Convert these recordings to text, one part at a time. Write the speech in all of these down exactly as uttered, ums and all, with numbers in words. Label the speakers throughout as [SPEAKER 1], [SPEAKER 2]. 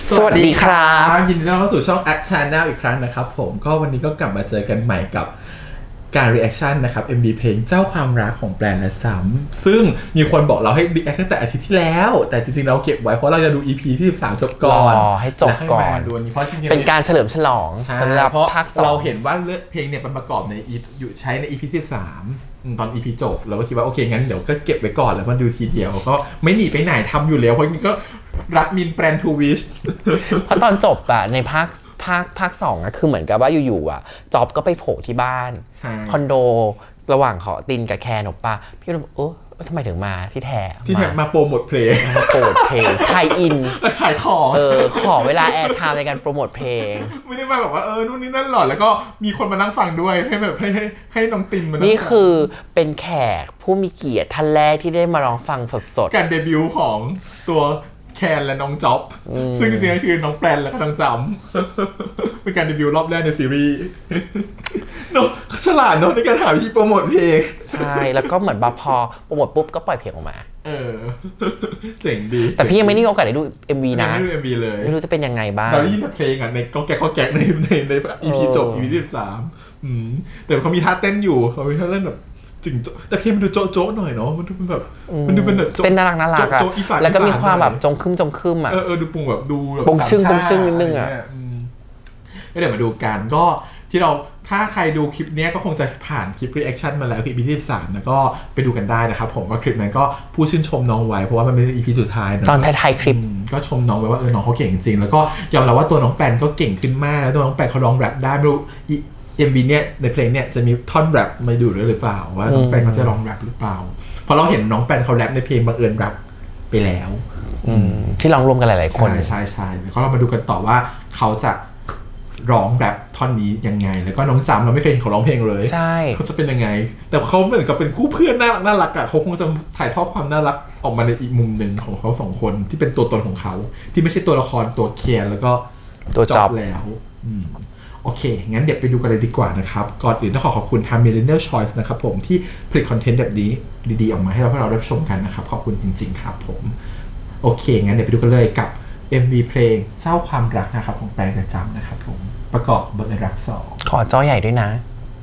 [SPEAKER 1] สวัสดีครับ
[SPEAKER 2] ยินดีต้อนรับเข้าสู่ช่อง Act Channel อีกครั้งนะครับผมก็วันนี้ก็กลับมาเจอกันใหม่กับการ reaction นะครับ เอ็ม วี เพลงเจ้าความรักของแปลนและจำซึ่งมีคนบอกเราให้ react ตั้งแต่อาทิตย์ที่แล้วแต่จริงๆเราเก็บไว้เพราะเราจะดู อี พี ที่สิบสามจบก่อน
[SPEAKER 1] รอให้จบก่อน
[SPEAKER 2] ดูนี้เพราะจริงๆ
[SPEAKER 1] เป็นการเฉลิมฉลองสำหรับภาคสอง
[SPEAKER 2] เราเห็นว่าเลือดเพลงเนี่ยมันประกอบในอยู่ใช้ใน อี พี ที่สิบสามตอน อี พี จบเราก็คิดว่าโอเคงั้นเดี๋ยวก็เก็บไว้ก่อนแล้วมันดูทีเดียวก็ไม่หนีไปไหนทำอยู่แล้วเพราะนี่ก็รักมินแปลนทูวิช
[SPEAKER 1] เพราะตอนจบอะในภาคภาคภาคสองอะคือเหมือนกับว่าอยู่ๆอะจอบก็ไปโผล่ที่บ้านคอนโดระหว่างขอตินกับแคนออกปะพี่ก็เลยโอ้ทำไมถึงมาที่แท้
[SPEAKER 2] ที่แท้มาโปรโมทเพลง
[SPEAKER 1] มาโปรโมทเพลงไทยอิน
[SPEAKER 2] ขายของ
[SPEAKER 1] เออขอเวลาแอร์ไทม์ในการโปรโมทเพลง
[SPEAKER 2] ไม่ได้มาแบบว่าเออนู่นนี่นั่นหรอแล้วก็มีคนมานั่งฟังด้วยให้แบบให้ให้ให้น้องตินมา
[SPEAKER 1] นี่คือเป็นแขกผู้มีเกียรติท่านแรกที่ได้มาร้องฟังสด
[SPEAKER 2] ๆการเดบิวต์ของตัวแคนและน้องจ๊อบซึ่งจริงๆก็คือน้องแปลนและก็น้องจำเป็นการเดบิวต์รอบแรกในซีรีส์เนาะเขาฉลาดเนาะในการหาวิธีโปรโมทเพลง
[SPEAKER 1] ใช่แล้วก็เหมือนบาพอโปรโมทปุ๊บก็ปล่อยเพลงออกมา
[SPEAKER 2] เออเจ๋งดี
[SPEAKER 1] แต่พี่ยังไม่ได้มีโอกาสได้ดู เอ็ม วี นะ
[SPEAKER 2] ไม่ได้ดู เอ็ม วี เลย
[SPEAKER 1] ไม่รู้จะเป็นยังไงบ้าง
[SPEAKER 2] เราได้ยินแต่เพลงอ่ะในก็แก๊กก็แก๊กในในใน อี พี จบ อี พี ที่สิบสามอืมแต่เขามีท่าเต้นอยู่เขามีท่าเต้นแบบจริงแต่เพลงมันดูโจ๊ะๆหน่อยเนาะมันดูเป็นแบบมันดูเป็นแบบ
[SPEAKER 1] เต้นน่ารักน่ารักอะแล้วก็มีความแบบจงคึมจงคึมอะ
[SPEAKER 2] เออเออดูปุงแบบดูแบบ
[SPEAKER 1] ปงชึ่งปงชึ่งนิดนึงอะ
[SPEAKER 2] ก็เดี๋ยวมาดูกันก็ที่เราถ้าใครดูคลิปนี้ก็คงจะผ่านคลิป reaction มาแล้วคือ อี พี ที่สิบสามแล้วก็ไปดูกันได้นะครับผมว่าคลิปนั้นก็พูดชื่นชมน้องไว้เพราะว่ามันเป็น อี พี สุดท้ายนะ
[SPEAKER 1] ตอนท้ายๆคลิป
[SPEAKER 2] ก็ชมน้องไว้ว่าเออน้องเขาเก่งจริงแล้วก็ยอมรับว่าตัวน้องแปนก็เก่งขึ้นมากแล้วตัวน้องแปนเขาร้องแรปได้ไม่รู้เอ็ม วี เนี่ยในเพลงเนี่ยจะมีท่อนแรปมาดูด้วยหรือเปล่าว่าน้องแปนเขาจะร้องแรปหรือเปล่าเพราะเราเห็นน้องแปนเขาแรปในเพลงบังเอิญแรปไปแล้ว
[SPEAKER 1] ที่ร้องรวมกันหลายๆคน
[SPEAKER 2] ใช่ใช่แล้วก็เรามาดูกันต่อว่าเขาจะร้องแรปท่อนนี้ยังไงแล้วก็น้องจำเราไม่เคยเห็นเขาร้องเพลงเลย
[SPEAKER 1] ใช่
[SPEAKER 2] เขาจะเป็นยังไงแต่เขาเหมือนกับเป็นคู่เพื่อนน่ารักน่ารักอ่ะเขาคงจะถ่ายทอดความน่ารักออกมาในอีกมุมหนึ่งของเขาสองคนที่เป็นตัวตนของเขาที่ไม่ใช่ตัวละครตัวเคียร์แล้วก็
[SPEAKER 1] ตัวจ็อบ
[SPEAKER 2] แล้วโอเคงั้นเดี๋ยวไปดูกันเลยดีกว่านะครับก่อนอื่นต้องขอขอบคุณทาง Millennial Choice นะครับผมที่ผลิตคอนเทนต์แบบนี้ดีๆออกมาให้เราให้เราได้ชมกันนะครับขอบคุณจริงๆครับผมโอเคงั้นเดี๋ยวไปดูกันเลยกับ เอ็ม วี เพลงเจ้าความรักนะครับของแปลงกระจำนะครับผมประกอบบังเอิญรักสอง
[SPEAKER 1] ขอจอใหญ่ด้วยนะ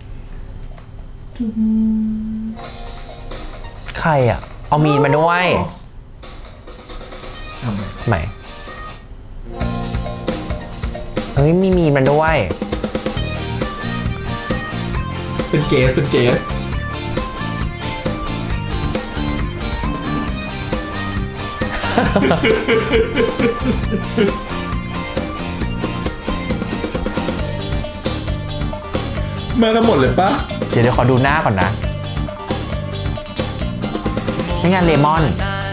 [SPEAKER 1] ใครอ่ะเอามีนมาด้วยทำไมเฮ้ยมีมีมันด้วย
[SPEAKER 2] เป็นเกสเป็นเกสมากันหมดเลยปะ
[SPEAKER 1] เดี๋ยวเดี๋ยวขอดูหน้าก่อนนะนี่งานเลมอน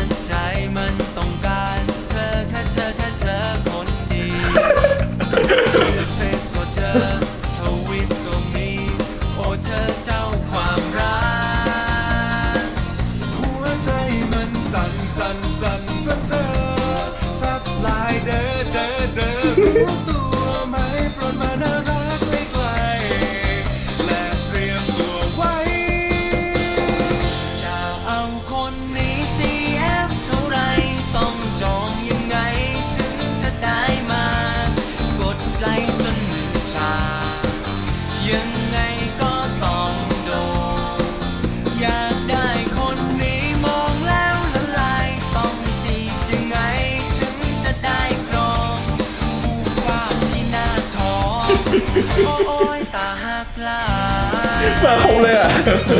[SPEAKER 2] โอ้ยตาหักลามาคงเลยอ่ะ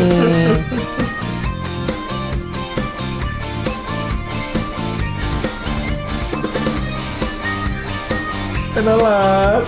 [SPEAKER 2] เป็นน่ารัก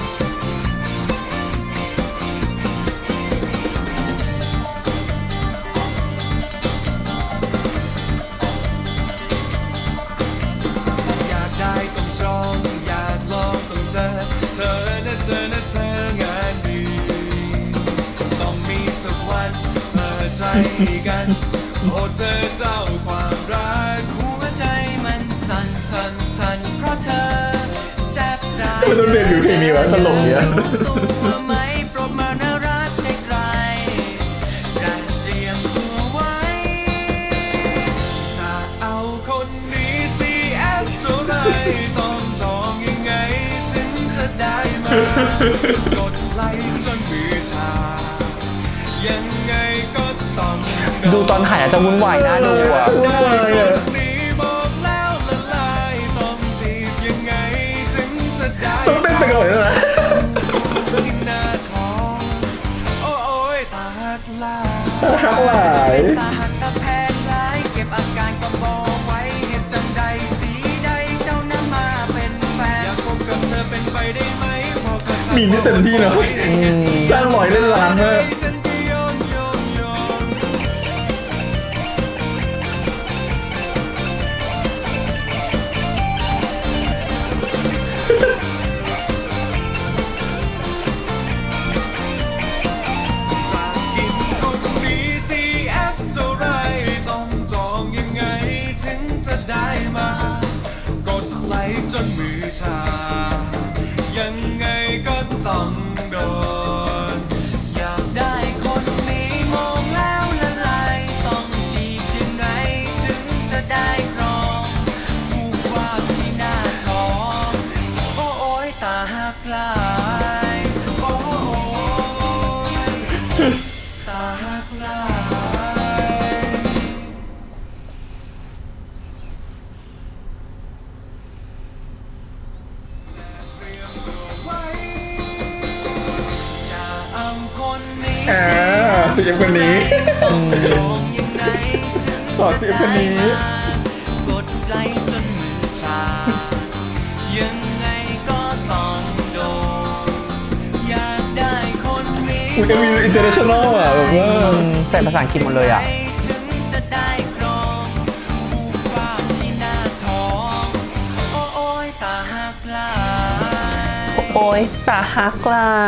[SPEAKER 3] อยากได้ต้องจองอยากลองต้องเจอเธอนะเธอนะเธองานดีต้องมีสักวันเปิดใจกันโอ้เธอเจ้าความรักหัวใจมันสั่นสั่นสั่นเพราะเธอแซ่บร้าย
[SPEAKER 2] ไม่ต้องเรียนอยู่เพลงนี้วะตลกเนี่ย
[SPEAKER 3] ตัวไหมโปรดมาน่ารักไกลๆได้เตรียมตัวไว้จะเอาคนนี้ ซี เอฟ เท่าไรต้องจองยังไงกดไลค์จนมือชายังไงก็ต้อง
[SPEAKER 1] ดูตอนถ่ายอาจจะวุ่นวายน่าดูอ่ะ
[SPEAKER 2] วุ่นวายอ่ะ
[SPEAKER 3] นี้บอกแล้วละลายต้องจีบยังไงถึงจะได้
[SPEAKER 2] ต้องเต้นไปก่อนเลยนะ
[SPEAKER 3] ที่หน้าท้องโอ้ยตาหักลาย
[SPEAKER 2] หักหลาย
[SPEAKER 3] ตาหักตาแพงหลายเก็บอาการก็บอกไว้เหตุจังใดสีใดเจ้านั้นมาเป็นแฟนอยากพบกับเธอเป็นไปได้ไหมพอกับ
[SPEAKER 2] มีนี่เต็มที่เนาะจ้างหลอยเล่นล้านมาก
[SPEAKER 3] ฉันก็ยอมยอมยอมจากกินคนมี ซี เอฟ เท่าไรต้องจองยังไงถึงจะได้มากดไลค์จนมือชายังไงก็ต้องโดนอยากได้คนนี้มองแล้วละลายต้องจีบยังไงถึงจะได้ครองผูกว่าที่หน้าท้องโอ้โอยตาหักลายโอ้ยตาหักลายจะเอาคนนี้
[SPEAKER 2] อ่าเสียงคนนี้
[SPEAKER 3] จองยังไงถึง
[SPEAKER 2] ขอเสียงคนนี้
[SPEAKER 3] กดไลค์จนมือชายังไงก็ต้องโดนอยากได้คนนี้
[SPEAKER 2] มันก็มีอินเตอร์เนชั่นแนลอ่ะแบบว่า
[SPEAKER 1] ใส่ภาษาอังกฤษหมดเลยอ่ะ
[SPEAKER 3] ถึงจะได้ครองผูกว่าที่หน้าท้องโอ้โอยตาหักลาย
[SPEAKER 1] โอ้ยตาฮักไหลาย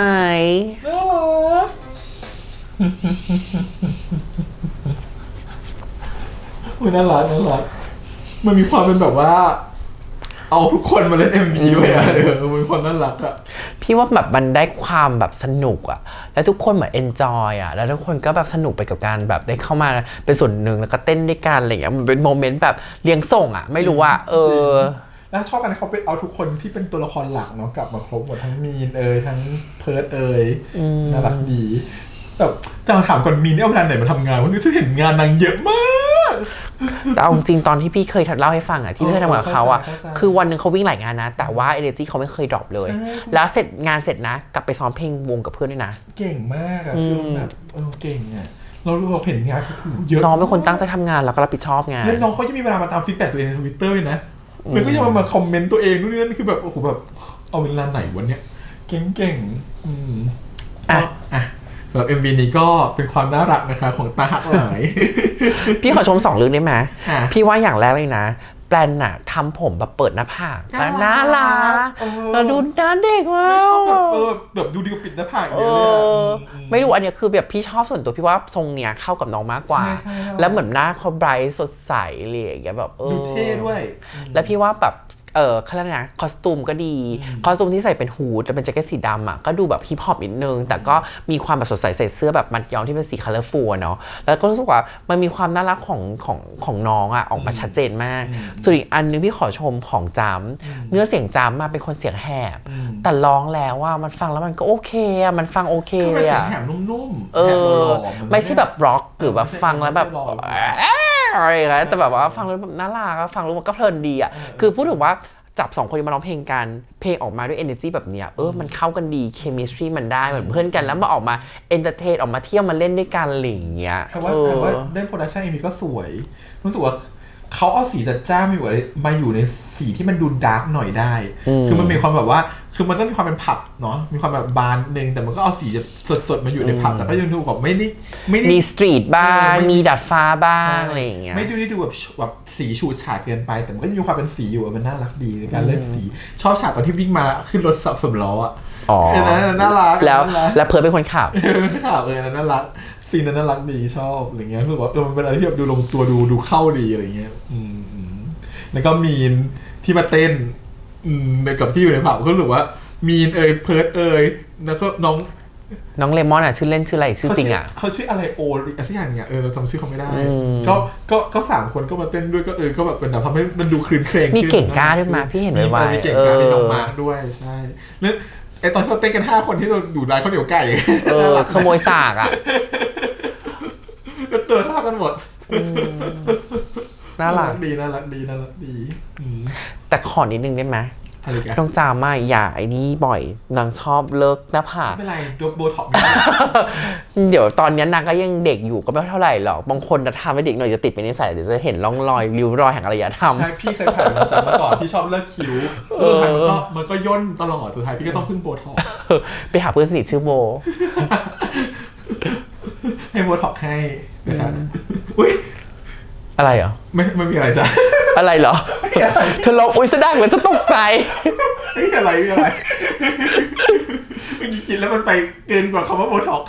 [SPEAKER 2] อุ๊ยน่ารักน่ารักมันมีความเป็นแบบว่า เอาทุกคนมาเล่น เอ็ม วี ด้วยอ่ะเออมันมีความน่ารักอ่ะ
[SPEAKER 1] พี่ว่าแบบมันได้ความแบบสนุกอ่ะแล้วทุกคนเหมือนเอนจอยอ่ะแล้วทุกคนก็แบบสนุกไปกับการแบบได้เข้ามาเป็นส่วนหนึ่งแล้วก็เต้นด้วยกันอะไรอย่างเงี้ยมันเป็นโมเมนต์แบบเลี้ยงส่งอ่ะไม่รู้ว่าเออ
[SPEAKER 2] แล้วชอบกันที่เขาไปเอาทุกคนที่เป็นตัวละครหลักเนาะกลับมาครบหมดทั้งมีนเอ่ยทั้งเพิร์ดเอ่ยน่ารักดีแบบจะถามก่อนมีนเนี่ยเอาเวลาไหนมาทำงานวะคือฉันเห็นงานนางเยอะมาก
[SPEAKER 1] แต่เอาจริงๆตอนที่พี่เคยเล่าให้ฟังอ่ะที่พี่เคยทำกับเขาอ่ะคือวันหนึ่งเขาวิ่งหลายงานนะแต่ว่า energy เขาไม่เคยดรอปเลย แล้วเสร็จงานเสร็จนะกลับไปซ้อมเพลงวงกับเพื่อนด้วยนะ
[SPEAKER 2] เก่งมากอะคือแบบเออเก่งอะเราเราเห็นงานเขาเยอะ
[SPEAKER 1] น้องเป็นคนตั้งใจทำงานแล้วก็รับผิดชอบงาน
[SPEAKER 2] แล้วน้องเขาจะมีเวลามาตามฟีดแบ็กตัวเองในทวิตเตอร์นะแล้วก็ยังมามาคอมเมนต์ตัวเองนู่นนี่นั่นคือแบบโอ้โหแบบเอาเวลาไหนวันเนี้ยเก่งๆอืม
[SPEAKER 1] อ่ะ
[SPEAKER 2] อ่ะสำหรับ เอ็ม วี นี้ก็เป็นความน่ารักนะคะของตาหักหลาย
[SPEAKER 1] พี่ขอชมสองเรื่องได้ไหม
[SPEAKER 2] อ่ะ
[SPEAKER 1] พี่ว่าอย่างแรกเลยนะแปลนน่ะทำผมแบบเปิดหน้าผาก
[SPEAKER 2] น่ารัก
[SPEAKER 1] น่ารัก
[SPEAKER 2] เออ
[SPEAKER 1] แล้วดูหน้าเด็กมา
[SPEAKER 2] ไม่ชอบแบบ
[SPEAKER 1] ก
[SPEAKER 2] เออแบบดูดีกว่าปิดหน้าผาก
[SPEAKER 1] เอ
[SPEAKER 2] เยอะเลย
[SPEAKER 1] อ
[SPEAKER 2] อะ
[SPEAKER 1] ไม่รู้อันเนี้ยคือแบบพี่ชอบส่วนตัวพี่ว่าทรงเนี้ยเข้ากับน้องมากกว่า
[SPEAKER 2] ใช่ใช่ครับ
[SPEAKER 1] แล้วเหมือนหน้าเขาไบรท์สดใสอะไรอย่างเงี้ยแบบเออ
[SPEAKER 2] ดูเท่ด้วย
[SPEAKER 1] แล้วพี่ว่าแบบเออเขาเรียกนะคอสตูมก็ดีคอสตูมที่ใส่เป็นฮูดแล้วเป็นแจ็คเก็ตสีดำอ่ะก็ดูแบบฮิปฮอปนิดนึงแต่ก็มีความแบบสดใสใส่เสื้อแบบมัดย้อมที่เป็นสีคัลเลอร์ฟูลเนาะแล้วก็รู้สึกว่ามันมีความน่ารักของของของน้องอ่ะออกมาชัดเจนมากส่วนอีกอันนึงพี่ขอชมของจำเนื้อเสียงจำมาเป็นคนเสียงแหบแต่ร้องแล้วว่ามันฟังแล้วมันก็โอเคอ่ะมันฟังโอเค
[SPEAKER 2] คือ
[SPEAKER 1] เล
[SPEAKER 2] เป็น
[SPEAKER 1] ย
[SPEAKER 2] เสีย
[SPEAKER 1] อ่ะ
[SPEAKER 2] งแหบนุ่มๆ
[SPEAKER 1] เอ
[SPEAKER 2] แหบห
[SPEAKER 1] อ
[SPEAKER 2] ล่อๆน
[SPEAKER 1] ไม่ใช่แบบร็อกหรือแบบฟังแล้วแบบ
[SPEAKER 2] ไม่ใช่หล่อ
[SPEAKER 1] อะไรอย่างเงี้ยแต่แบบว่าฟังแล้วแบบน่ารักอะฟังแล้วมันก็เพลินดีอ่ะคือพูดถึงว่าจับสองคนมาร้องเพลงกันเพลงออกมาด้วย energy แบบเนี้ยเออมันเข้ากันดี chemistry มันได้เหมือนเพื่อนกันแล้วมาออกมา entertain ออกมาเที่ยวมาเล่นด้วยกันอะไรอย่างเงี้ย
[SPEAKER 2] แต่ว่า
[SPEAKER 1] เออ
[SPEAKER 2] แต่ว่าได้โปรดักชันเอ็มวีก็สวย รู้สึกว่าเขาเอาสีจัดจ้านมาอยู่มาอยู่ในสีที่มันดูดาร์กหน่อยได้ คือมันมีความแบบว่าคือมันก็มีความเป็นผับเนาะมีความแบบบานนึงแต่มันก็เอาสีสดๆมาอยู่ในผับแต่ก็ยังดูแบบไม่ได้ไม่ได้
[SPEAKER 1] มีสตรีทบ้าง
[SPEAKER 2] เออไม่
[SPEAKER 1] มีดัดฟ้าบ้างอะไรอย่างเงี้ย
[SPEAKER 2] ไม่ดูได้ดูแบบแบบสีฉูดฉาดเกินไป แต่มันก็ยังมีความเป็นสีอยู่อะมันน่ารักดีในการเล่นสี ชอบฉากตอนที่วิ่งมาขึ้นรถสับสำล้ออ่ะ
[SPEAKER 1] อ๋อ
[SPEAKER 2] เออนะน่ารัก
[SPEAKER 1] แล้ว
[SPEAKER 2] น่ารัก
[SPEAKER 1] แล้วเพิร์ดเป็นคนขับ
[SPEAKER 2] เออข่าวเออนั่นน่ารักซีนนั้นน่ารักดีชอบอะไรเงี้ยรู้สึกว่าเออมันเป็นอะไรที่แบบดูลงตัวดูดูเข้าดีอะไรเงี้ยอืมอืมแล้วก็มีนที่มาเต้นอืมในกับที่อยู่ในผับก็รู้สึกว่ามีนเอยเพิร์ดเอยแล้วก็น้อง
[SPEAKER 1] น้องเลมอนอ่ะชื่อเล่นชื่ออะไรชื่อจริงอ่ะ
[SPEAKER 2] เขาชื่ออะไรโอหรืออะไรสักอย่างเนี่ยเออเราจำชื่อเขาไม่ได้
[SPEAKER 1] อืม
[SPEAKER 2] ก็ก็ก็สามคนก็มาเต้นด้วยก็เออก็แบบเป็นแบบทำให้มันดูคลื่นเครง
[SPEAKER 1] มี
[SPEAKER 2] ขึ้น
[SPEAKER 1] เก่งกล้าด้วยมาพี่เห็นไวๆ
[SPEAKER 2] มีเก่งกล้า
[SPEAKER 1] เออ
[SPEAKER 2] มีน้องมาร์คด้วยใช่แล้วไอตอนที่เราเต้นกันห้าคนที่เราอยู่ร้านข้าวเหนียวไก่
[SPEAKER 1] เออขโมยสากอ่ะ
[SPEAKER 2] ตัวเท่ากันหมด
[SPEAKER 1] น่ารัก
[SPEAKER 2] ดีน่ารักดีน่ารักดีอืม
[SPEAKER 1] แต่ขอนิดนึงได้ไหม
[SPEAKER 2] อะไรกัน
[SPEAKER 1] ต้องจามาอย่าไอ้นี่บ่อยนางชอบเลิกหน้าผาก
[SPEAKER 2] ไม่เป็นไรดูโบท็อกซ์ไม่ได้
[SPEAKER 1] เดี๋ยวตอนนี้นางก็ยังเด็กอยู่ก็ไม่เท่าไหร่หรอกบางคนจะทำให้เด็กหน่อยจะติดเป็นนิสัยเดี๋ยวจะเห็นร่องรอยริ้วรอยแห่งอารยธรรม
[SPEAKER 2] ใช่พี่เคยผ่านมาจากเมื่อก่อนพี่ชอบเลิกคิ้วเออมันก็มันก็ย่นตลอดสุดท้ายพี่ก็ต้องพึ่งโบท็อกซ์
[SPEAKER 1] ไปหาเพื่อนสนิทชื่อโบ
[SPEAKER 2] ให้โบท็อกซ์ให้นะครับอุ้ย
[SPEAKER 1] อะไรเหรอ
[SPEAKER 2] ไม่ไม่มีอะไรจ้ะ
[SPEAKER 1] อะไรเหรอเธอลองอุ้ยแสดงเหมือนจะตกใจ
[SPEAKER 2] ไม่มีอะไรไม่มีอะไรเมื่อกี้คิดแล้วมันไปเกินกว่าคำว่าโบท็อกซ์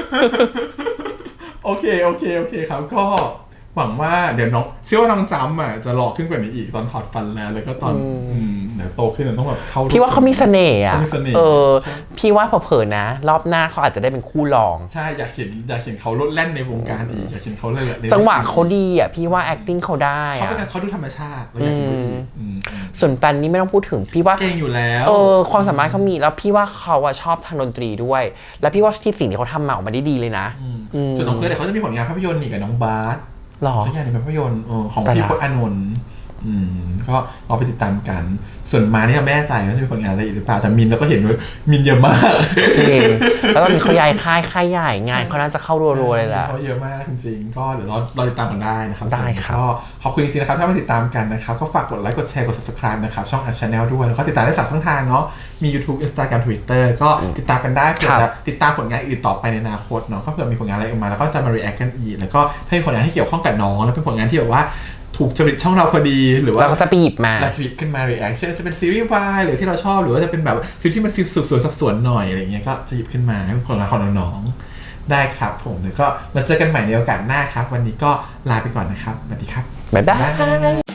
[SPEAKER 2] โอเคโอเคโอเคครับก็หวังว่าเดี๋ยวน้องเชื่อว่าน้องจำอ่ะจะหล่อขึ้นกว่านี้อีกตอนถอดฟันแล้วแล้วก็ตอนอืมเดี๋ยวโตขึ้นเดี๋ยวต้องแบบเข้า
[SPEAKER 1] พี่ว่าเขามีเสน่ห์อ่ะ
[SPEAKER 2] เขามีเสน่ห์
[SPEAKER 1] เออพี่ว่าเผลอๆนะ รอบหน้าเขาอาจจะได้เป็นคู่รอง
[SPEAKER 2] ใช่อยากเห็นอยากเห็นเขาลดแล่นในวงการอีกอยากเห็นเขาเลย
[SPEAKER 1] จังหวะเขาดีอ่ะพี่ว่า acting เขาได้
[SPEAKER 2] เขา
[SPEAKER 1] อ่ะ
[SPEAKER 2] เป็นเขาดูธรรมชาติเราอยากดูอีกอืม
[SPEAKER 1] ส่วนแปนนี่ไม่ต้องพูดถึงพี่ว่า
[SPEAKER 2] เก่งอยู่แล้ว
[SPEAKER 1] เออความสามารถเขามีแล้วพี่ว่าเขาอะชอบทางดนตรีด้วย แล้วพี่ว่าที่สิ่งที่เขาทำมาออกมาได้ดีเลยนะ
[SPEAKER 2] อืมส่วนน้องเพิร์ดเดี๋ยวเขาจะมีผลงานภาพยนตร์นี่กับน้องบาส
[SPEAKER 1] หรอ
[SPEAKER 2] สักอย่างในภาพยนตร์เออของ
[SPEAKER 1] แต่
[SPEAKER 2] พี่
[SPEAKER 1] ละ
[SPEAKER 2] พจน์อานนท์อืมก็รอไปติดตามกัน ส่วนมานี่ไม่แน่ใจว่าจะมีผลงานอะไรอีกหรือเปล่าแต่มินแล้วก็เห็นว่ามินเยอะมาก
[SPEAKER 1] จริงแล้วตอนนี้เขาย้ายค่ายค่ายใหญ่งานเขาน่าจะเข้ารัวๆเลยแหละ
[SPEAKER 2] เขาเยอะมากจริงๆก็เดี๋ยวรอรอติดตามกันได้นะครับ
[SPEAKER 1] ได้ครับ
[SPEAKER 2] ก็ขอบคุณจริงๆนะครับถ้ามาติดตามกันนะครับก็ฝากกดไลค์กดแชร์กด ซับสไครบ์ นะครับช่อง Art Channel ด้วยแล้วก็ติดตามได้สามช่องทางเนาะมี YouTube Instagram Twitter ก็ติดตามกันได้เผื่อจะติดตามผลงานอื่นต่อไปในอนาคตเนาะก็เผื่อมีผลงานอะไรออกมาแล้วก็จะมา react กันอีกแล้วก็ถ้ามีผลงานที่เกี่ยวข้องกับน้องแล้วเป็นผลงานที่แบบว่าถูกจริตช่องเราพอดีหรือว่า
[SPEAKER 1] เราก็จะไปหยิบมา
[SPEAKER 2] เราจะหยิบขึ้นมา react เช่นจะเป็นซีรีส์วายหรือที่เราชอบหรือว่าจะเป็นแบบซีรีส์ที่มันสืบสวนสอบสวนหน่อยอะไรเงี้ยก็จะหยิบขึ้นมาให้ผลงานของน้องๆได้ครับผมแล้วก็มาเจอกันใหม่ในโอกาสหน้าครับวันนี้ก็ลาไปก่อนนะครับสวัสดีครับ
[SPEAKER 1] บ๊ายบาย